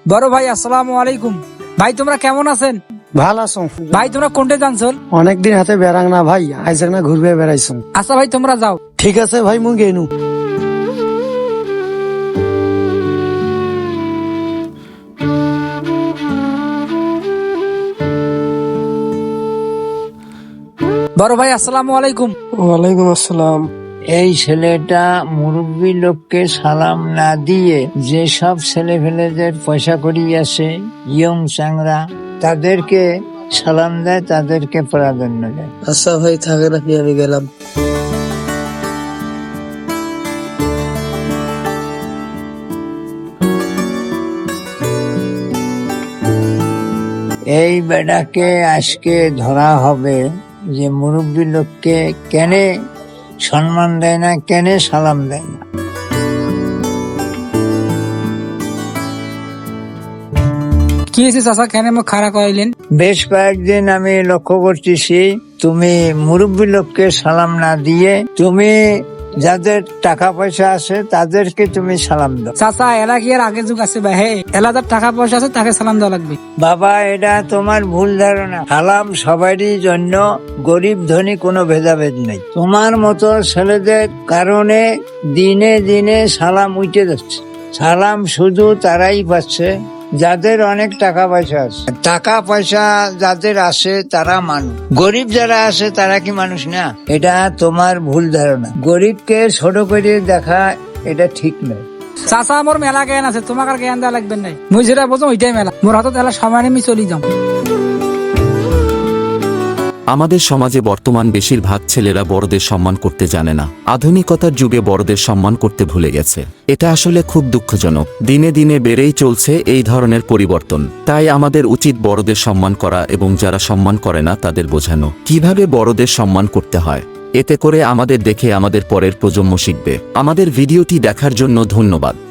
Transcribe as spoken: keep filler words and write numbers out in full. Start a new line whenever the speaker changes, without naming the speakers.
বড় ভাই আসসালামু আলাইকুম। ভাই তোমরা কেমন আছেন?
ভাল আছো
ভাই তোমরা কোনটে জানছো?
অনেকদিন হাতে বেড়াং না ভাই, আইজ না ঘুরবে বেড়াইছো।
আচ্ছা ভাই তোমরা যাও।
ঠিক আছে ভাই, মুই গেনু।
বড় ভাই আসসালামু আলাইকুম।
ওয়ালাইকুম আসসালাম।
এই ছেলেটা মুরব্বী লোককে সালাম না দিয়ে যে সব ছেলে ফেলেদের পয়সা করিয়াছে ইয়ং চাংরা তাদেরকে সালাম দেয়, তাদেরকে প্রাধান্য দেয়।
আচ্ছা ভাই থাকেন আপনি, আমি গেলাম।
এই বেটাকে আজকে ধরা হবে যে মুরব্বী লোককে কেন সম্মান দেয় না, কেন সালাম দেয় না।
কি হয়েছে চাচা, কেন মুখ খাড়া করাইলেন?
বেশ কয়েকদিন আমি লক্ষ্য করতেছি তুমি মুরব্বী লোককে সালাম না দিয়ে তুমি যাদের টাকা পয়সা আছে তাদেরকে তুমি সালাম দাও।
চাচা এলা কি আর আগে যুগ আছে ভাই? হে এলা যার টাকা পয়সা আছে তাকে সালাম দেওয়া লাগবে।
বাবা, এটা তোমার ভুল ধারণা। সালাম সবারই জন্য, গরিব ধনী কোনো ভেদাভেদ নেই। তোমার মতো ছেলেদের কারণে দিনে দিনে সালাম উঠে যাচ্ছে। সালাম শুধু তারাই পাচ্ছে যাদের অনেক টাকা পয়সা আছে। টাকা পয়সা যাদের আছে তারা মানুষ, গরিব যারা আছে তারা কি মানুষ না? এটা তোমার ভুল ধারণা। গরিবকে ছোট করে দেখা এটা ঠিক নয়।
চাচা আমার মেলা জ্ঞান আছে, তোমাকে আর জ্ঞান দেওয়া লাগবে নাই। মুই যেটা বোঝো ওইটাই মেলা। মোর হাতত এলা সময় নেই, চলি যাও।
আমাদের সমাজে বর্তমান বেশিরভাগ ছেলেরা বড়দের সম্মান করতে জানে না। আধুনিকতার যুগে বড়দের সম্মান করতে ভুলে গেছে। এটা আসলে খুব দুঃখজনক। দিনে দিনে বেড়েই চলছে এই ধরনের পরিবর্তন। তাই আমাদের উচিত বড়দের সম্মান করা এবং যারা সম্মান করে না তাদের বোঝানো কিভাবে বড়দের সম্মান করতে হয়। এতে করে আমাদের দেখে আমাদের পরের প্রজন্ম শিখবে। আমাদের ভিডিওটি দেখার জন্য ধন্যবাদ।